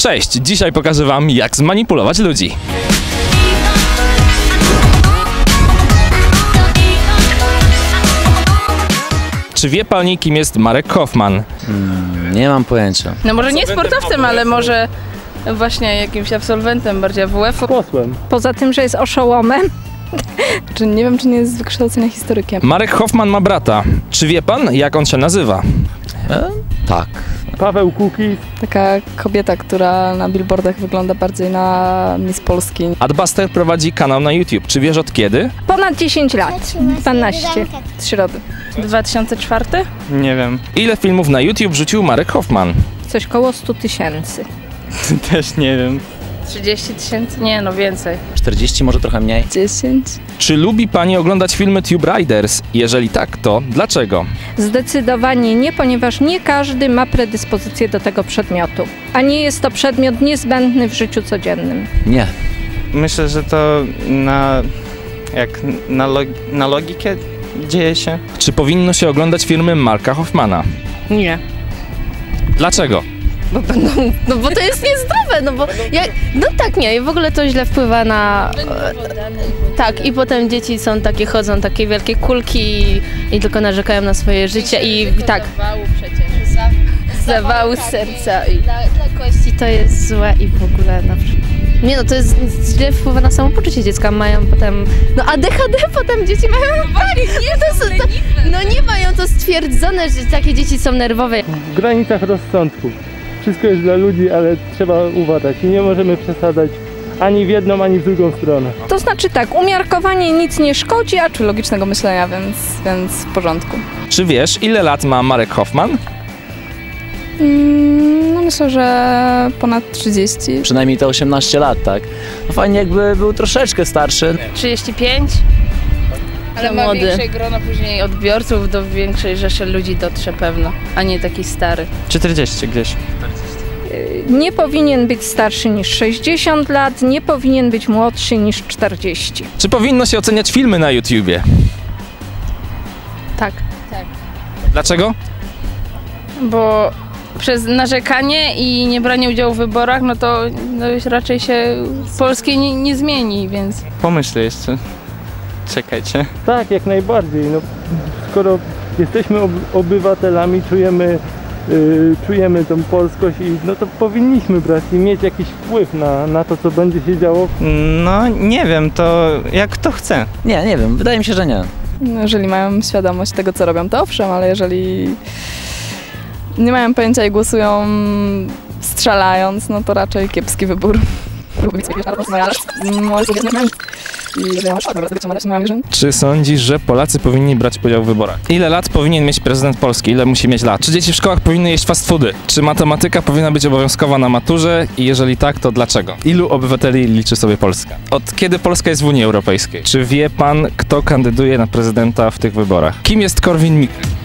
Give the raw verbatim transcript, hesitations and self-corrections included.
Cześć, dzisiaj pokażę wam, jak zmanipulować ludzi. Czy wie pani, kim jest Marek Hofmann? Hmm, nie mam pojęcia. No może nie sportowcem, ale może właśnie jakimś absolwentem bardziej A W F-u. Posłem. Poza tym, że jest oszołomem. Czy nie wiem, czy nie jest z wykształcenia historykiem. Marek Hofmann ma brata. Czy wie pan, jak on się nazywa? E? Tak. Paweł Kukiz. Taka kobieta, która na billboardach wygląda bardziej na Miss Polski. Adbuster prowadzi kanał na YouTube. Czy wiesz od kiedy? Ponad dziesięć lat. dwanaście. Z środy. dwa tysiące czwarty? Nie wiem. Ile filmów na YouTube wrzucił Marek Hofmann? Coś koło stu tysięcy. Też nie wiem. trzydzieści tysięcy? Nie, no więcej. czterdzieści, może trochę mniej. dziesięć. Czy lubi pani oglądać filmy Tube Riders? Jeżeli tak, to dlaczego? Zdecydowanie nie, ponieważ nie każdy ma predyspozycję do tego przedmiotu. A nie jest to przedmiot niezbędny w życiu codziennym. Nie. Myślę, że to na... jak na, log na logikę dzieje się. Czy powinno się oglądać filmy Marka Hofmana? Nie. Dlaczego? Bo będą, no bo to jest niezdrowe, no bo jak, no tak nie, w ogóle to źle wpływa na, e, tak i potem dzieci są takie, chodzą takie wielkie kulki i, i tylko narzekają na swoje życie i tak, Zawału przecież. Za, zawału serca i dla, dla kości to jest złe i w ogóle na przykład. Nie no, to jest źle wpływa na samopoczucie dziecka, mają potem, no A D H D potem dzieci mają, tak, nie, to, są, to, no nie mają to stwierdzone, że takie dzieci są nerwowe. W granicach rozsądku. Wszystko jest dla ludzi, ale trzeba uważać i nie możemy przesadzać ani w jedną, ani w drugą stronę. To znaczy tak, umiarkowanie nic nie szkodzi, a Czy logicznego myślenia, więc, więc w porządku. Czy wiesz, ile lat ma Marek Hofmann? Mm, no myślę, że ponad trzydzieści. Przynajmniej te osiemnaście lat, tak? No fajnie, jakby był troszeczkę starszy. trzydzieści pięć? Ale ma młody. większe grono później odbiorców, do większej rzeszy ludzi dotrze pewno, a nie taki stary. czterdzieści gdzieś. nie powinien być starszy niż sześćdziesiąt lat, nie powinien być młodszy niż czterdzieści. Czy powinno się oceniać filmy na YouTubie? Tak. Dlaczego? Bo przez narzekanie i niebranie udziału w wyborach, no to no już raczej się polskie nie, nie zmieni, więc... Pomyślę jeszcze. Czekajcie. Tak, jak najbardziej. No, skoro jesteśmy ob obywatelami, czujemy, yy, czujemy tą polskość i no to powinniśmy brać i mieć jakiś wpływ na, na to, co będzie się działo. No nie wiem, to jak kto chce. Nie, nie wiem, wydaje mi się, że nie. No, jeżeli mają świadomość tego, co robią, to owszem, ale jeżeli nie mają pojęcia i głosują strzelając, no to raczej kiepski wybór. Czy sądzisz, że Polacy powinni brać udział w wyborach? Ile lat powinien mieć prezydent Polski? Ile musi mieć lat? Czy dzieci w szkołach powinny jeść fast foody? Czy matematyka powinna być obowiązkowa na maturze? I jeżeli tak, to dlaczego? Ilu obywateli liczy sobie Polska? Od kiedy Polska jest w Unii Europejskiej? Czy wie pan, kto kandyduje na prezydenta w tych wyborach? Kim jest Korwin-Mikke?